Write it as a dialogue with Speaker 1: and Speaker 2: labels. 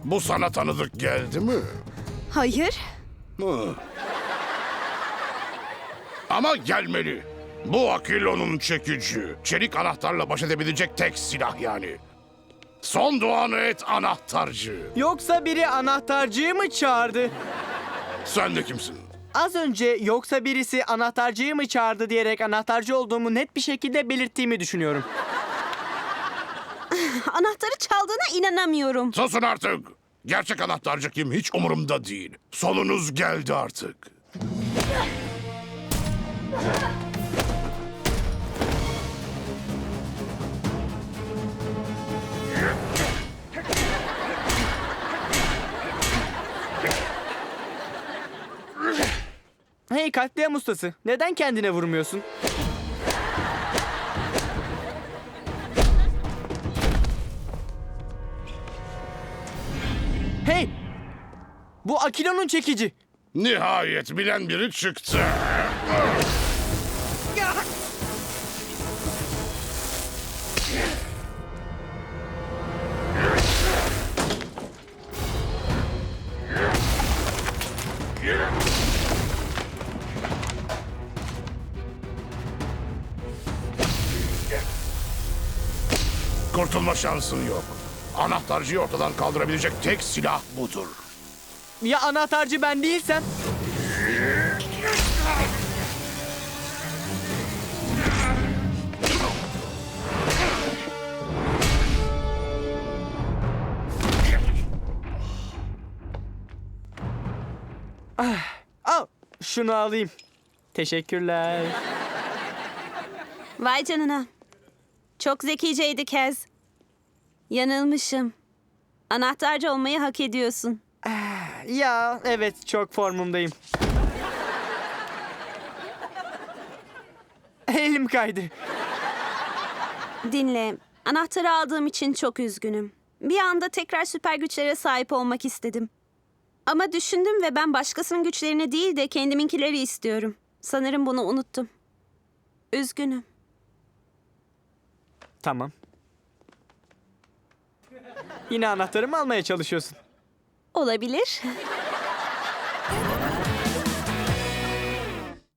Speaker 1: Bu sana tanıdık geldi mi?
Speaker 2: Hayır.
Speaker 1: Hı. Ama gelmeli. Bu Akilo'nun çekici. Çelik anahtarla baş edebilecek tek silah yani. Son duanı et anahtarcı.
Speaker 3: Yoksa biri anahtarcıyı mı çağırdı?
Speaker 1: Sen de kimsin?
Speaker 3: Az önce yoksa birisi anahtarcıyı mı çağırdı diyerek anahtarcı olduğumu net bir şekilde belirttiğimi düşünüyorum.
Speaker 2: Anahtarı çaldığına inanamıyorum.
Speaker 1: Susun artık. Gerçek anahtarcı kim hiç umurumda değil. Solunuz geldi artık.
Speaker 3: Hey katliam ustası, neden kendine vurmuyorsun? Hey! Bu Akilo'nun çekici.
Speaker 1: Nihayet bilen biri çıktı. Kurtulma şansın yok. Anahtarcıyı ortadan kaldırabilecek tek silah budur.
Speaker 3: Ya anahtarcı ben değilsem? Al, şunu alayım. Teşekkürler.
Speaker 2: Vay canına. Çok zekiceydi Kez. Yanılmışım. Anahtarcı olmayı hak ediyorsun.
Speaker 3: Ya evet, çok formumdayım. Elim kaydı.
Speaker 2: Dinle. Anahtarı aldığım için çok üzgünüm. Bir anda tekrar süper güçlere sahip olmak istedim. Ama düşündüm ve ben başkasının güçlerini değil de kendiminkileri istiyorum. Sanırım bunu unuttum. Üzgünüm.
Speaker 3: Tamam. Yine anahtarımı almaya çalışıyorsun.
Speaker 2: Olabilir.